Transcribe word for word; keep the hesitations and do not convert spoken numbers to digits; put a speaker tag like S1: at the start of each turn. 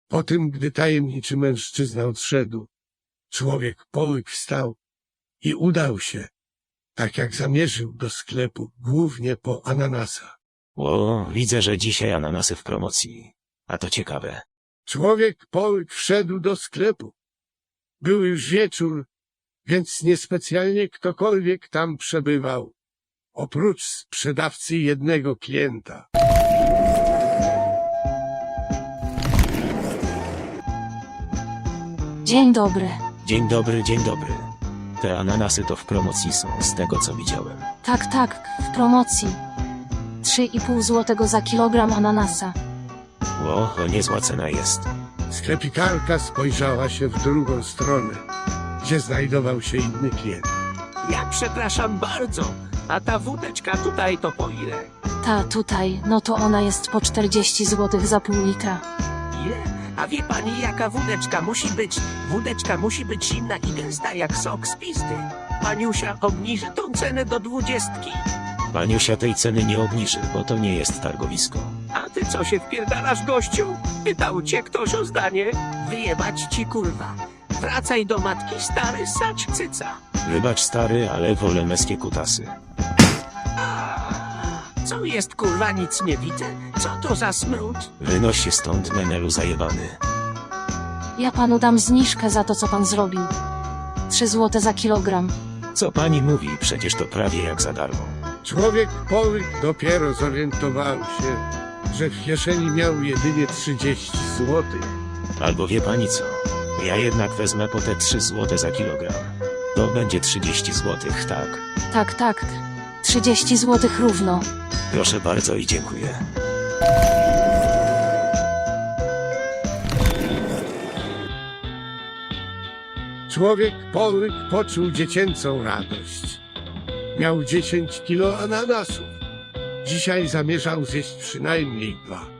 S1: Po tym, gdy tajemniczy mężczyzna odszedł, człowiek połyk wstał i udał się, tak jak zamierzył, do sklepu, głównie po ananasa.
S2: O, widzę, że dzisiaj ananasy w promocji. A to ciekawe.
S1: Człowiek połyk wszedł do sklepu. Był już wieczór, więc niespecjalnie ktokolwiek tam przebywał, oprócz sprzedawcy i jednego klienta.
S3: Dzień dobry.
S2: Dzień dobry, dzień dobry. Te ananasy to w promocji są, z tego co widziałem.
S3: Tak, tak, w promocji. Trzy i pół złotego za kilogram ananasa.
S2: O, to niezła cena jest.
S1: Sklepikarka spojrzała się w drugą stronę, gdzie znajdował się inny klient.
S4: Ja przepraszam bardzo, a ta wódeczka tutaj to po ile?
S3: Ta tutaj, no to ona jest po czterdzieści złotych za pół litra.
S4: Ile? A wie pani jaka wódeczka musi być? Wódeczka musi być zimna i gęsta jak sok z pizdy. Paniusia obniży tą cenę do dwudziestki.
S2: Paniusia tej ceny nie obniży, bo to nie jest targowisko.
S4: A ty co się wpierdalasz, gościu? Pytał cię ktoś o zdanie? Wyjebać ci, kurwa. Wracaj do matki, stary sacz cyca.
S2: Wybacz stary, ale wolę meskie kutasy.
S4: Co jest, kurwa, nic nie widzę? Co to za smród?
S2: Wynoś się stąd, menelu zajebany.
S3: Ja panu dam zniżkę za to, co pan zrobił. Trzy złote za kilogram.
S2: Co pani mówi? Przecież to prawie jak za darmo.
S1: Człowiek połyk dopiero zorientował się, że w kieszeni miał jedynie trzydzieści złotych.
S2: Albo wie pani co? Ja jednak wezmę po te trzy złote za kilogram. To będzie trzydzieści złotych, tak?
S3: Tak, tak. trzydzieści złotych równo.
S2: Proszę bardzo i dziękuję.
S1: Człowiek połyk poczuł dziecięcą radość. Miał dziesięć kilo ananasów. Dzisiaj zamierzał zjeść przynajmniej dwa.